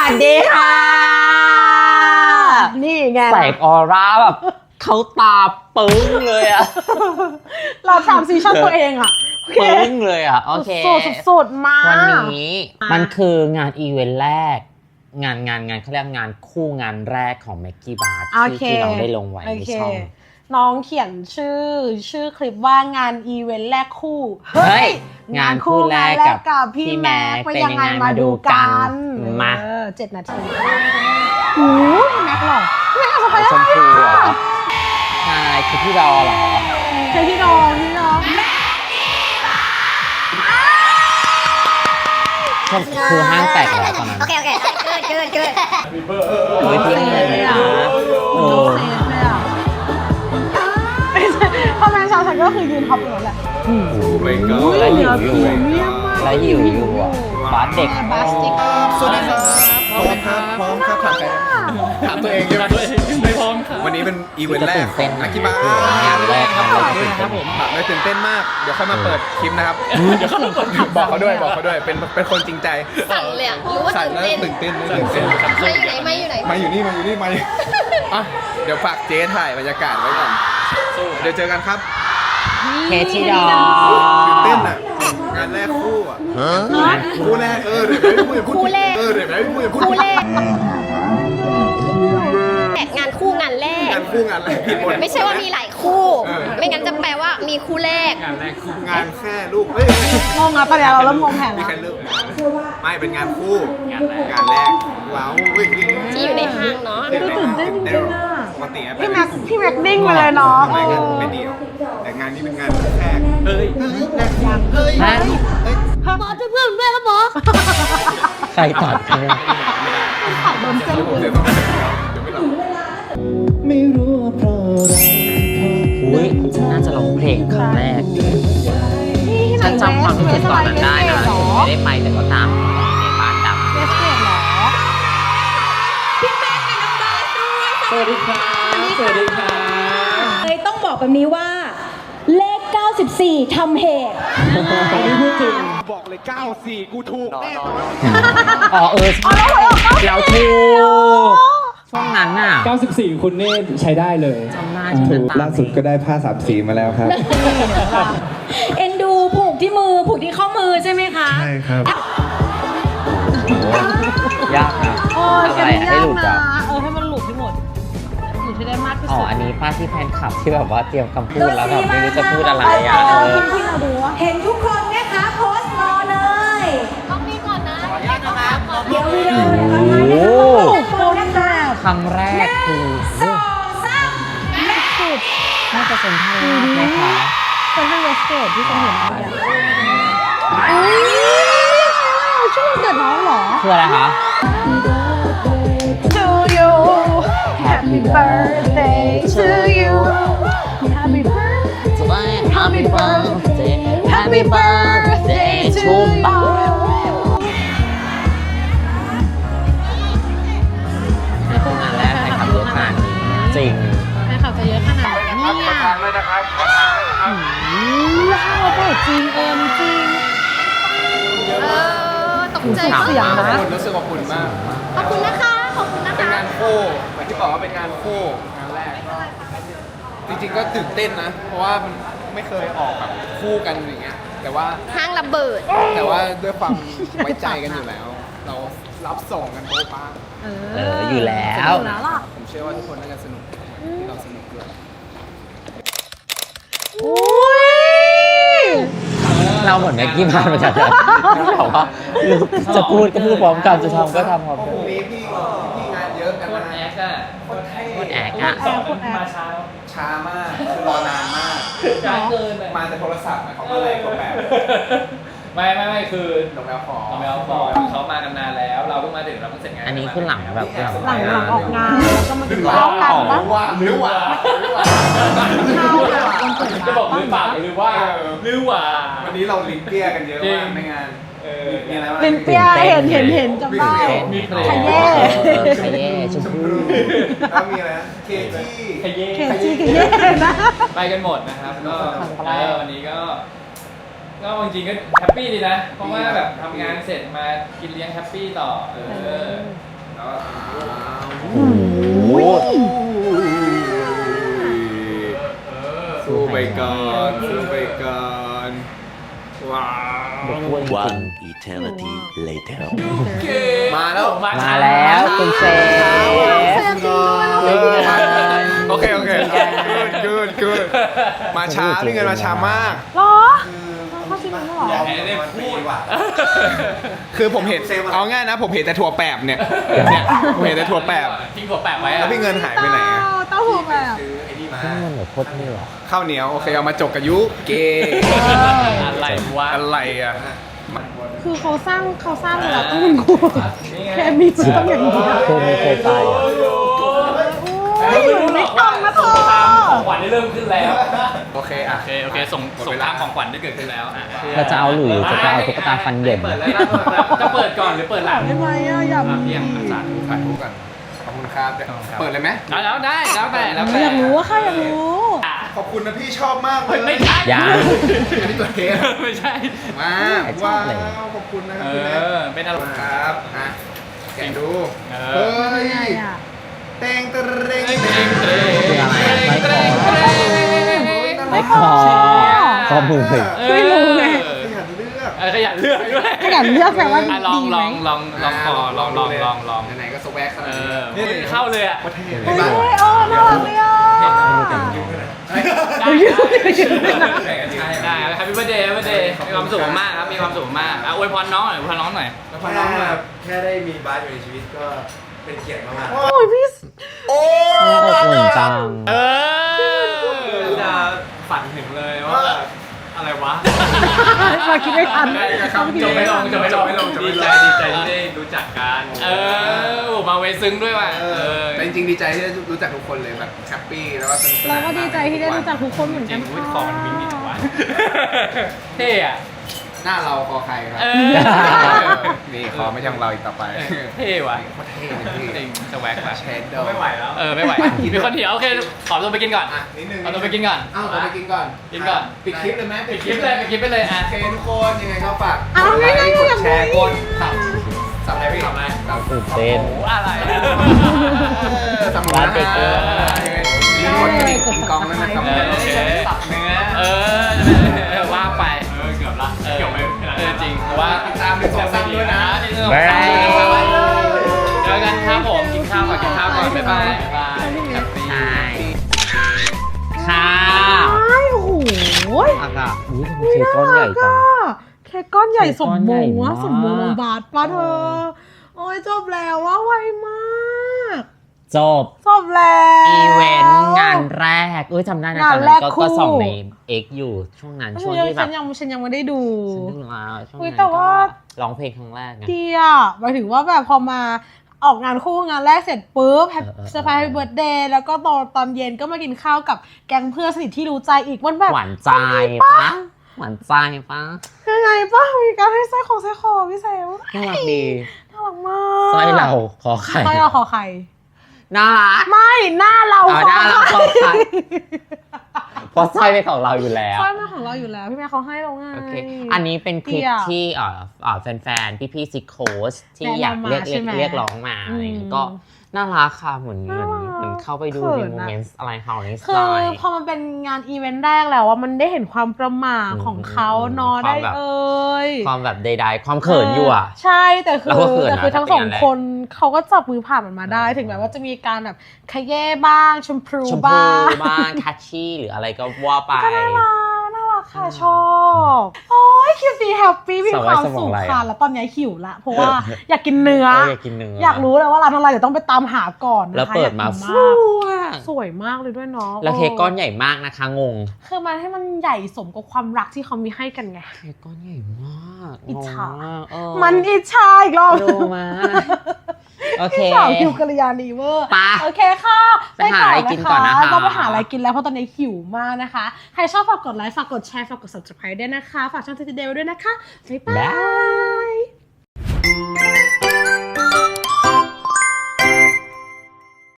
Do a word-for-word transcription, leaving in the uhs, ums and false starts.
สดีค่ะนี่ไงแสงออร่าแบบเขาตาปึ้งเลยอะเราทำซีชั่นตัวเองอะปึ้งเลยอะโอเคสุดสุดมาวันนี้มันคืองานอีเวนต์แรกงานงานงานเขาเรียกงานคู่งานแรกของ Maggie Bar ที่ที่น้องได้ลงไว้ในช่องน้องเขียนชื่อชื่อคลิปว่างานอีเวนต์แรกคู่เฮ้ยงานคู่แรกกับพี่แม็กเป็นยังไงมาดูกันมาเจ็ดนาทีโอ้พี่แม็กหรอพี่แม็กเอาไปชมพูเหรอใช่คือพี่ดอเหรอใช่พี่ดอพี่ดอคือห้างแตกแล้วตอนนั้นโอเคโอเคเกิดเกิดเกิดเฮ้ยพี่เลยนะโอ้พ่อแม่ชาวฉันก็คือยืนท็อปอยู่แล้วแหละแล้วหิวอยู่แล้วหิวอยู่อ่ะบาสเด็กบาสเด็กสวัสดีครับพร้อมครับพร้อมครับถามใครถามตัวเองใช่ไหมไม่พร้อมครับวันนี้เป็นอีเวนต์แรกของอากิบะงานแรกครับผมครับผมถามเลยตื่นเต้นมากเดี๋ยวค่อยมาเปิดคลิปนะครับเดี๋ยวเขาบอกเขาด้วยบอกเขาด้วยเป็นเป็นคนจริงใจสั่นเลยอ่ะรู้ว่าตื่นเต้นตื่นเต้นตื่นเต้นมาอยู่ไหนมาอยู่ไหนมาอยู่นี่มาอยู่นี่มาอ่ะเดี๋ยวฝากเจ๊ถ่ายบรรยากาศไว้ก่อนเดี๋ยวเจอกันครับเคที่ดอตื่นเต้นอ่ะงานแรกคู่อ่ะคู่แรกเออเดี๋ยวไม่พูดอย่าพูดคู่แรกเออเดี๋ยวไม่พูดอย่าพูดคู่แรกงานคู่งานแรกงานคู่งานแรกผิดหมดไม่ใช่ว่ามีหลายคู่ไม่งั้นจะแปลว่ามีคู่แรกงานแรกคู่งานแค่ลูกเฮ้ยงงอ่ะประเดี๋ยวเราเริ่มงงแผนแล้วมีใครเลิกไม่เป็นงานคู่งานแรกงานแรกว้าวที่อยู่ในห้างเนาะตื่นเต้นจริงๆอ่ะปกติพี่แม็กพี่แม็กดิ้งไปเลยเนาะไม่กันไม่เดียวแต่งานนี้เป็นงานแรกเฮ้ยเฮ้ยแรกเฮ้ยเฮ้ยหมอจะเพื่อนด้วยครับหมอใครตัดเนี่ยขับโดนเส้นเลยไม่รู้ว่าเพราะอะไรอุ้ยน่าจะร้องเพลงครั้งแรกฉันจำความรู้สึกตอนนั้นได้นะไม่ได้ไปแต่ก็ตามในบ้านดับเวสเกตหรอพี่แม็กกับน้องบาสด้วยสวัสดีค่ะสวัสดีค่ะเลยต้องบอกแบบนี้ว่าเลขเก้าสิบสี่ทำเหตุอันนี้พูดจริงบอกเลยเก้าสิบสี่กูถูกแน่นอนอ๋อเออเราถูกช่วงนั้นน่ะเก้าสิบสี่คุณเน่ใช้ได้เลยจำได้ล่าสุดก็ได้ผ้าสามสีมาแล้วครับเอ็นดูผูกที่มือผูกที่ข้อมือใช่ไหมคะใช่ครับยากนะโอ้ยแกไม่ยากนะเออให้มันหลุดที่หมดหลุดให้ได้มากที่สุดอ๋ออันนี้ป้าที่แฟนคลับที่แบบว่าเตรียมคำพูดแล้วแบบไม่รู้จะพูดอะไรอ่ะที่เราดูว่าเห็นทุกคนนะคะโพสต์รอเลยต้องมีก่อนนะเดี๋ยววิดีโอนะคะครั้งแรกคือสองสามและสุดน่าจะเป็นท่าไหมคะเป็นท่าเวสเกตที่ฉันเห็นเมื่อกี้อุ้ยช่วงเกิดน้องเหรอคืออะไรคะ To you Happy birthday to you Happy birthday Happy birthday Happy birthday to youในโครงงานแรกใครขับเยอะขนาดนี้จริงใครขับจะเยอะขนาดนี้เนี่ยทางเลยนะครับอืมว้าวจริงเออจริงเออตกใจเสียงนะรู้สึกอบอุ่นมากขอบคุณนะคะขอบคุณนะคะเป็นงานคู่เหมือนที่บอกว่าเป็นงานคู่งานแรกจริงๆก็ตื่นเต้นนะเพราะว่ามันไม่เคยออกแบบคู่กันอย่างเงี้ยแต่ว่าห้างระเบิดแต่ว่าด้วยความไว้ใจกันอยู่แล้วเรารับส่งกันโบ๊ะบ้าเอออยู่แล้วผมเชื่อว่าทุกคนน่าจะสนุกที่เราสนุกด้วยเราเหมือนแม็กกี้มาเหมือนกันเลยบอกว่าจะพูดก็พูดพร้อมกันจะทำก็ทำพร้อมกันพี่พี่พี่งานเยอะกันนะแอกอะคนแอกอะมาช้าช้ามากคือรอนานมากช้าเกินมาแต่โทรศัพท์เขาก็เลยก็แบบไม่ไม่ไม่คือน้องแมวฟอน้องแมวฟอเขามากันนานแล้วเราเพิ่งมาถึงเราเพิ่งเสร็จงานอันนี้คือหลังแบบหลังหลังออกงานแล้วก็มาถึงเล่ากันหรือว่าหรือว่าจะบอกหรือเปล่าหรือว่าหรือว่าวันนี้เราลิ้นเปี้ยกันเยอะมากในงานมีอะไรบ้างลิ้นเปี้ยเห็นเห็นเห็นจำได้มีเพลงขย่ขย่ชมพูแล้วมีอะไรเคจี้ขย่ขยี้ขย่นะไปกันหมดนะครับก็วันนี้ก็ก็จริงๆก็แฮปปี้ดีนะเพราะว่าแบบทำงานเสร็จมากินเลี้ยงแฮปปี้ต่อเออโอ้โหสู้ไปก่อนสู้ไปก่อน ว้าว One eternity later. มาแล้วมาแล้วคุณเซฟเออมาโอเค โอเคกูดกูดมาช้าพี่เงินมาช้ามากหรอเขาชิมมันหรอได้พูดว่ะคือผมเห็นเอาง่ายนะ ผมเห็นแต่ถั่วแปบเนี่ยเนี่ยผมเห็นแต่ถั่วแปบทิ้งหัวแปะไว้แล้วพี่เงินหายไปไหนอะเต้าหู้แบบนี่มันแบบโคตรนี่หรอข้าวเหนียวโอเคเอามาจกกับยุเกอะไรวะอะไรอ่ะคือเขาสร้างเขาสร้างมาแล้วต้องกลัวแค่มีเชื่อมอย่างเดียวเคยมีเคยไปอ่ะอยู่ในกล่องนะเธอของขวัญได้เริ่มขึ้นแล้วโอเคอ่ะโอเคโอเคส่งส่งตามของขวัญได้เกิดขึ้นแล้วอ่ะเราจะเอาหรือจะเอาตุ๊กตาฟันเหยินเปิดเลยนะจะเปิดก่อนหรือเปิดหลังได้ไหมอ่ะอยากอ่ะมีเพียงอาจารย์ถ่ายรูปกันขอบคุณครับเปิดเลยไหมแล้วได้แล้วแต่แล้วแต่อยากรู้ว่าค่ะอยากรู้ขอบคุณนะพี่ชอบมากเลยไม่ใช่ยังอันนี้ตัวเทสไม่ใช่มาว้าวขอบคุณนะคเอรับพี่แม่อเป็นอะไรครับอ่ะแกะดูเอเฮ้อยไงอ่ะเต็งเตรงเตรงเตเตรรง งคืออะไรอะไม่พอไม่พอข้อมือเลยไม่รู้ไงขยันเลือกเออขยันเลือกด้วยขยันเลือกแต่ว่าอ่ะลองดีลไหมองลองลองคอลองลองลองลองไหนๆก็สแวกขนาเอดนี้อนี่เข้าเลยอ่ะประเทศเฮ้ยเออน่ารักเลยอ่ะได้ได้ครับแฮปปี้เบิร์ดเดย์แฮปปี้เบิร์ดเดย์มีความสุขมากครับมีความสุขมากอ่ะอวยพรน้องหน่อยอวยพรน้องหน่อยแล้วพอน้องมาแค่ได้มีบาสอยู่ในชีวิตก็เป็นเกียรติมากโอ้ยพี่โอ้อบอุ่นจังเออจะฝันถึงเลยว่าแบบอะไรวะมาคิดไม่ทันจบไม่ลงจบไม่ลงไม่ลงดีใจดีใจที่ได้รู้จักกันเออโอ้มาเวซึ้งด้วยว่ะเออแต่จริงๆดีใจที่ได้รู้จักทุกคนเลยแบบแฮปปี้แล้วก็สนุกสนานเราก็ดีใจที่ได้รู้จักทุกคนเหมือนจกัรินงวิทย์คอมันวิ่งดีจังวะเท่อะหน้าเราคอใครครับเออนี่คอไม่ใช่ของเราอีกต่อไปเท่ว่ะโคตรเท่เลยพี่จริงจะแว็กว่ะเชดโดไม่ไหวแล้วเออไม่ไหวมีคนเถียวโอเคขอตัวไปกินก่อนอ่ะนิดนึงเอาตัวไปกินก่อนเอ้าตัวไปกินก่อนกินก่อนปิดคลิปเลยไหมปิดคลิปเลยปิดคลิปไปเลยอ่ะโอเคทุกคนยังไงก็ฝากเอากดไลง่ายค์ๆกอย่าดแชร์กพูดดสับสับอะไรพี่สับอะไรสับตื่นเต้นโอ้อะไรสับหมูนะร้านเด็กเออมีคนกระดิ่งกินกองแล้วนะครับเออโอเคสับเนื้อเออว่าไปเออเกือบละเกือบไม่เออจริงเพราะว่าติดตามหนึ่งสองสามด้วยนะหนึ่งสองสามด้วยนะเจอกันครับผมกินข้าวก่อนกินข้าวก่อนบ๊ายบายบ๊ายบายแฮปปี้ใช่ค่ะใช่โอ้โหอากาศอุ้ยทำไมเค้กก้อนใหญ่จังเค้กก้อนใหญ่สมมงเค้กก้อนใหญ่วะมากสมมงบาทป้าเธอ โอ้ยจบแล้วว่าไวมากจบจบแล้วอีเวนต์งานแรกเอ้ยจำได้นะงาตอน นแรนั้นกก็คู่ก็ส่องในเอ็กอยู่ช่วงนั้นฉัช่วงนยังที่แบฉับนยังฉันยังไม่ได้ดูฉันนึกมาช่วงอุ๊ยนั้นแต่ว่าก็ร้องเพลงครั้งแรกไงดีอ่ะหมายถึงว่าแบบพอมาออกงานคู่งานแรกเสร็จปุ๊บแฮปเออเออเซอร์ไพรส์เบิร์ดเดย์แล้วก็ตอนตอนเย็นก็มากินข้าวกับแก๊งเพื่อนสนิทที่รู้ใจอีกมันแบบหวานใจปะหวานใจปะยังไงป้ามีการให้สร้อยของสร้อยคอพี่เซลน่ารักดีน่ารักมากสร้อยเราขอไข่สร้อยเราขอไข่น่ารักไม่หน้าเราอ๋อหน้าเราขอไข่ เพราะสร้อยเป็นของเราอยู่แล้วสร้อยมาของเราอยู่แล้วพี่แม่เขาให้เราไงโอเค อันนี้เป็นคลิปเตี้ยที่เอ่อเอ่อแฟนๆ พี่ๆซิกโคสที่แนะนำอยากเรียกมาเรียกใช่ไหมเรียกร้องมาอะไรอย่างเงี้ยอืมก็น่ารักค่ะเหมือนเหมือนน่ารักเหมือนเข้าไปดูเขิในนโมอะเมนต์อะไรของนิสคืไลอน์พอมันเป็นงานอีเวนต์แรกแล้วว่ามันได้เห็นความประหม่าอืมของเขาอืมเนอะความได้แบบเอ่ยความแบบใดๆ ความเขินอยู่อ่ะใช่แต่คืเราอก็เขินนะแต่คือทั้งถ้าสเป็นองอย่างนั้นคนเขาก็จับมือผ่านมันมาได้ ถึงแม้ว่าจะมีการแบบขยเย่บ้างชมพูชมพูบ้างบ้างคัชชี่หรืออะไรก็ว่าไปก็น่ารักน่ารักค่ะชอบโอ้ยคลิปนี้แฮปปี้มีความสมองสุขไหลค่ะอะแล้วตอนนี้หิวละเพราะว่าอยากกินเนื้อเอออยากกินเนื้ออยอยากรู้เลยว่าร้านอะไรเดี๋ยวต้องไปตามหาก่อนนะคะแล้วเปิดมาอยกกินฟูมากอ่ะสวยมากเลยด้วยเนาะแล้วเค้กก้อนใหญ่มากนะคะงงคือมันให้มันใหญ่สมกับความรักที่เขามีให้กันไงเค้กก้อนใหญ่มากอิจฉางงมากเออมันอิจฉาอีกรอบดูมาโอเคพี่สาวหิวกัลยาณีเวอร์ไปโอเคค่ะไปหาอะไรกินก่อนนะคะต้องไปหาอะไรกินแล้วเพราะตอนนี้หิวมากนะคะ ใครชอบฝากกดไลค์ฝากกดแชร์ฝากกด subscribe ด้วยนะคะ ฝากช่องทีทีเดลด้วยนะคะบ๊ายบาบ๊ายย